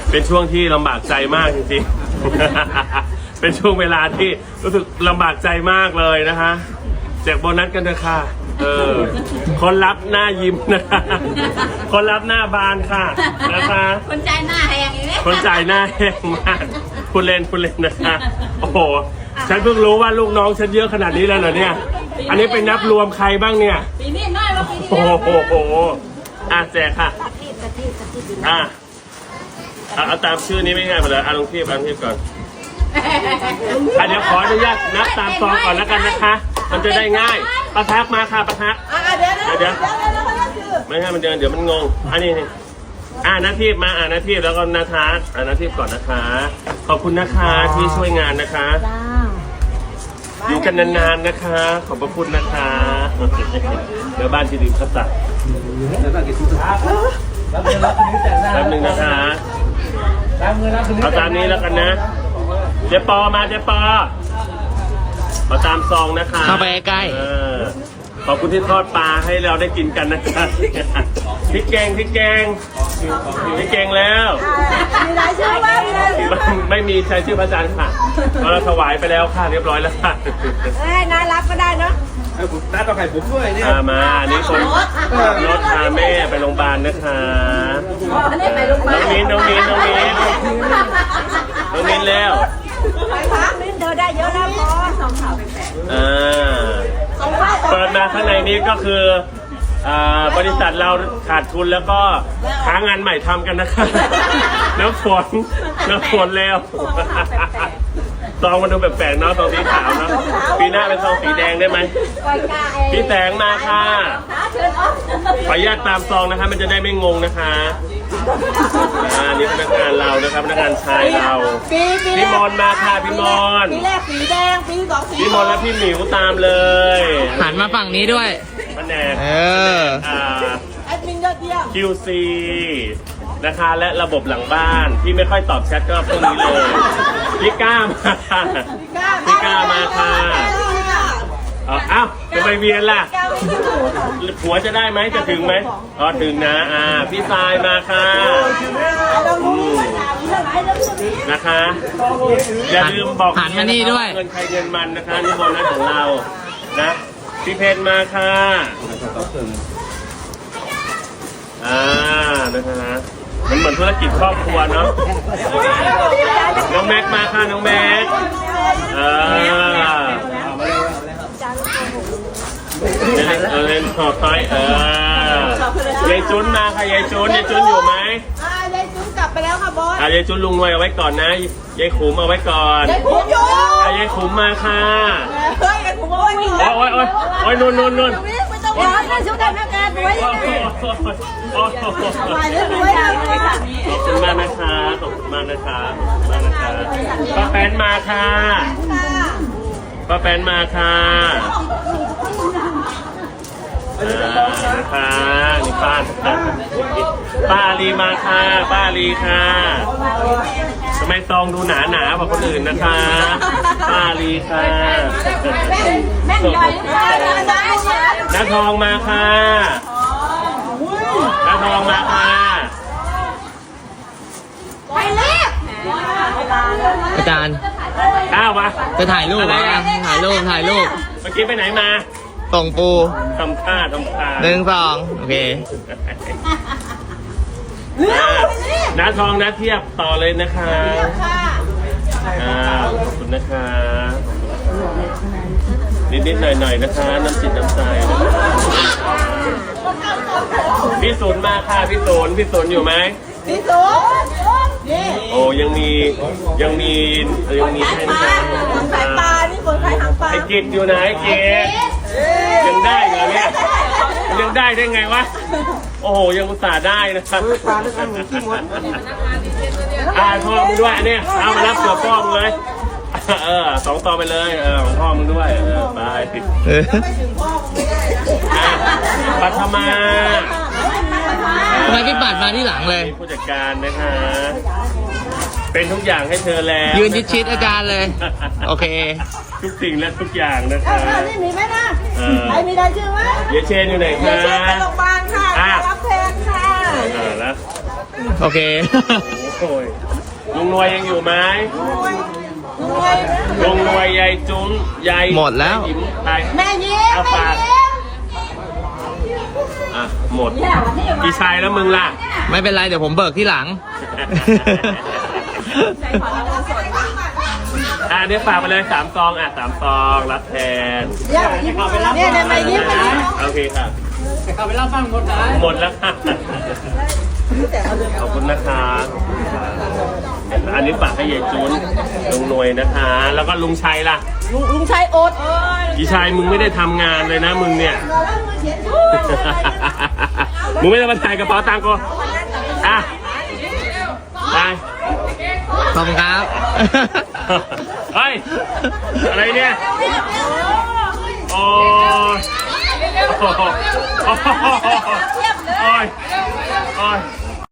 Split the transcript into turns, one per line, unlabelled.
เป็นช่วงที่ลำบากใจมากจริงๆ เป็นช่วงเวลาที่รู้สึกลำบากใจมากเลยนะคะแจกโบนัสกันเถอะค่ะคนรับหน้ายิ้มนะคะคนรับหน้าบานค่ะนะคะ
คนใจหน้าแหงอย่างนี้
คนจ่ายหน้าแห้งมากคุณเล่นนะคะโอ้โหฉันเพิ่งรู้ว่าลูกน้องฉันเยอะขนาดนี้แล้วเหรอเนี่ยอันนี้เป็นนับรวมใครบ้างเนี่ย
ปีนี้น้อยกว่าปีที่
โอ้
แล้ว
โหแจกค่ะเอาตามชื่อนี้ไม่ง่ายไปเลยลงเทียบก่อนเดี๋ยวขออนุญาตนับตามซองก่อนแล้วกันนะคะมันจะได้ง่ายประทักมาค่ะประทักเดี๋ยวไม่ให้มันเดี๋ยวมันงงอันนี้นาทีมานาทีแล้วก็นาทักนาทีก่อนนะคะขอบคุณนะคะที่ช่วยงานนะคะอยู่กันนานๆนะคะขอบพระคุณนะคะเดี๋ยวบ้านที่ดิบเขาตัดแป๊บนึงนะคะเอาตามนี้แล้วกันนะเจ๊ปอมามาตามซองนะคะ
เข้าไปใกล้
ขอบคุณที่ทอดปลาให้เราได้กินกันนะคะพริกแกงแล้ว
มีรายชื่อบ้าง
ไม่มีใช้ชื่อพระอาจารย์ค่ะเราถวายไปแล้วค่ะเรียบร้อยแล้วค่ะ
น่ารักก็ได้เนาะ
น้าต้องไข่ผมด้วยเนี่ย
มาอันนี้คนรถพาแม่ไปโรงพยาบาลนะคะน้องมิ้นแล้ว
มิ้นเธอได้เยอะแล้วพอสองข่าวเป็นแปด
เปิดมาข้างในนี้ก็คือบริษัทเราขาดทุนแล้วก็หางานใหม่ทำกันนะคะน้ำฝนแล้วซองมันดูแปลกๆเนาะซองสีขาวเนาะปีหน้าเป็นซองสีแดงได้ไหมพี่แสงมาค่ะขออนุญาตตามซองนะคะมันจะได้ไม่งงนะคะนี่พนักงานเรานะครับพนักงานชายเราพี่มอนมาค่ะพี่มอน
ปีแรกสีแดงปีสองสี
พี่มอนและพี่หมิวตามเลย
หันมาฝั่งนี้ด้วย
แผนก
แอดมินยอดเยี่ยม
QC นะคะและระบบหลังบ้านที่ไม่ค่อยตอบแชทก็พวกนี้เลยพี่ก้ามาค่ะมาค่ะอ้าวจะไปเวียนล่ะผัวจะได้ไหมจะถึงไหมถึงนะพี่ทรายมาค่ะนะคะอย่าลืมบอก
หันมานี่ด้วย
เงินใครเงินมันนะคะนี่โบนัสของเรานะพี่เพนมาค่ะนะคะมันเหมือนธุรกิจครอบครัวเนาะน้องแม็กมาค่ะน้องแม็กเล่นขอบไฟยายจุนมาค่ะยายจุนอยู่ไหม
ยายจุนกลับไปแล้วค่ะบอส
ยายจุนลุงรวยเอาไว้ก่อนนะยายขุมเอาไว้ก่อน
ยายขุมอยู่
ยายขุมมาค่ะ
ยายขุมโอ้ย
นุ่น
ไม่ต้องร้อนนะชุดทำงานไว้ยังไง
ขอบคุณมากนะคะป้าแป้นมาค่ะนะคะนี่ป้าลีมาค่ะป้าลีค่ะทำไมซองดูหนาๆกว่าคนอื่นนะคะป้าลีค่ะน้าทองมาค่ะ
อาจารย์
มา
จะถ่ายรูปถ่ายรูป
เมื่อกี้ไปไหนมา
ส่งปู
ทำท่า
1 2โอเค
น้าทองน้าเทียบต่อเลยนะคะขอบคุณนะคะนิดๆหน่อยๆนะคะน้ำจิตน้ำใจพี่ศูนย์มาค่ะพี่ศูนย์อยู่ไหม
พี่ศูนย์
โอ้ยังมีใช่ไหม
สายปลานี่คนขายหางปลา
ไอ้กิจอยู่ไหนไอ้กิจยังได้เหรอเนี่ยยังได้ไงวะโอ้โหยังอุตส่าห์ได้นะครับพ่อมึงด้วยเนี่ยเอามารับเสือพ่อมึงเลย2 ต่อไปเลยของพ่อมึงด้วยไปปัทมา
ทำไมพี่ปัดมาที่หลังเลย
ผู้จัดการนะคะเป็นทุกอย่างให้เธอแล้ว
ยืนชิดอาจารย์เลยโอเค
ทุกสิ่งและทุกอย่างนะคะ
นี่มีไหมนะใครมีได้ชื่อไหม
เยเชนอยู่ไหนคะ
เยเชนไปโรงพยาบาลค่ะรับแทนค่ะ
แล้ว
โอเค
โอ้ยลุงนวยยังอยู่ไหมลุงนวยยายจุ้นยาย
หมดแล้ว
ยายอิ่มไป
แม่ยิ้ม
เอา
แม่
ฝาก
ยิ้ม
อ่ะหมดพี่ชายแล้วมึงล่ะ
ไม่เป็นไรเดี๋ยวผมเบิกที่หลัง
เดี๋ยวฝากไปเลย3 ซอง3 ซองรับแทน
เนี่ยแม่ยิ้ม
โอเคครับเข้าไปรับฟังหมดนะหมดแล้วค่ะขอบคุณนะคะอันนี้ฝากให้ยายจุนลุงหน่วยนะคะ แล้วก็ลุงชัยล่ะ
ลุงชัยอด
พี่ชายมึงไม่ได้ทำงานเลยนะมึงเนี่ย มึงไม่ได้มาถ่ายกระเป๋าตังค์กูอ่ะไป
ขอบคุณครับ
เฮ้ย อะไรเนี่ย โอ้ยโอ้ยโอ้ยโอ้ย